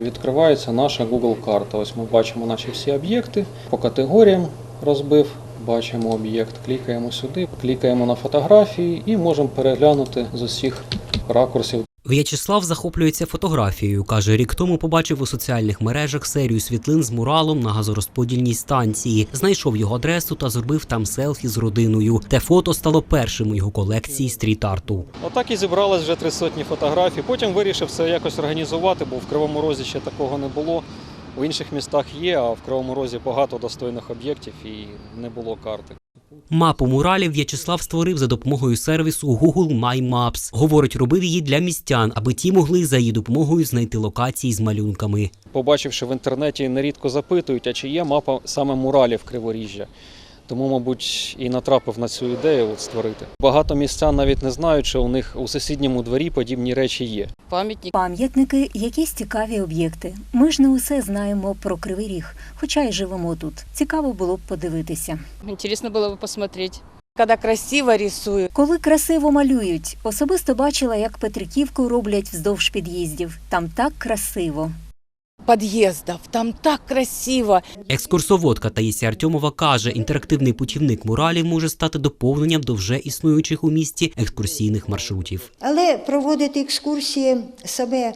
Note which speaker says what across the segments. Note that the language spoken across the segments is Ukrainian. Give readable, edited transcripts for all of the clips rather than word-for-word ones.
Speaker 1: Відкривається наша Google карта. Ось ми бачимо наші всі об'єкти, по категоріям розбив, бачимо об'єкт, клікаємо сюди, клікаємо на фотографії і можемо переглянути з усіх ракурсів.
Speaker 2: В'ячеслав захоплюється фотографією. Каже, рік тому побачив у соціальних мережах серію світлин з муралом на газорозподільній станції. Знайшов його адресу та зробив там селфі з родиною. Те фото стало першим у його колекції стріт-арту.
Speaker 1: Отак і зібралось вже 300 фотографій. Потім вирішив це якось організувати, бо в Кривому Розі ще такого не було. У інших містах є, а в Кривому Розі багато достойних об'єктів і не було карти.
Speaker 2: Мапу муралів В'ячеслав створив за допомогою сервісу Google My Maps. Говорить, робив її для містян, аби ті могли за її допомогою знайти локації з малюнками.
Speaker 1: Побачивши в інтернеті, нерідко запитують, а чи є мапа саме муралів Криворіжжя. Тому, мабуть, і натрапив на цю ідею створити. Багато містян навіть не знають, що у них у сусідньому дворі подібні речі є.
Speaker 3: Пам'ятники – якісь цікаві об'єкти. Ми ж не усе знаємо про Кривий Ріг, хоча й живемо тут. Цікаво було б подивитися.
Speaker 4: Цікаво було б подивитися. Коли красиво рисують.
Speaker 3: Коли красиво малюють. Особисто бачила, як Петриківку роблять вздовж під'їздів. Там так красиво.
Speaker 4: Під'їздів, там так красиво.
Speaker 2: Екскурсоводка Таїсія Артьомова каже, інтерактивний путівник муралів може стати доповненням до вже існуючих у місті екскурсійних маршрутів.
Speaker 5: Але проводити екскурсії саме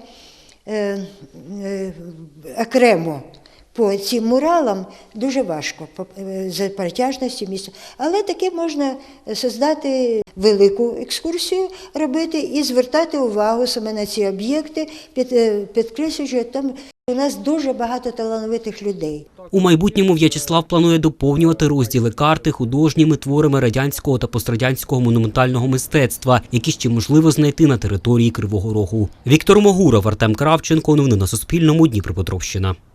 Speaker 5: окремо по цим муралам дуже важко, за протяжністю міста. Але таки можна створити велику екскурсію, робити і звертати увагу саме на ці об'єкти, підкреслюючи, там у нас дуже багато талановитих людей.
Speaker 2: У майбутньому В'ячеслав планує доповнювати розділи карти художніми творами радянського та пострадянського монументального мистецтва, які ще можливо знайти на території Кривого Рогу. Віктор Могуров, Артем Кравченко. Новини на Суспільному. Дніпропетровщина.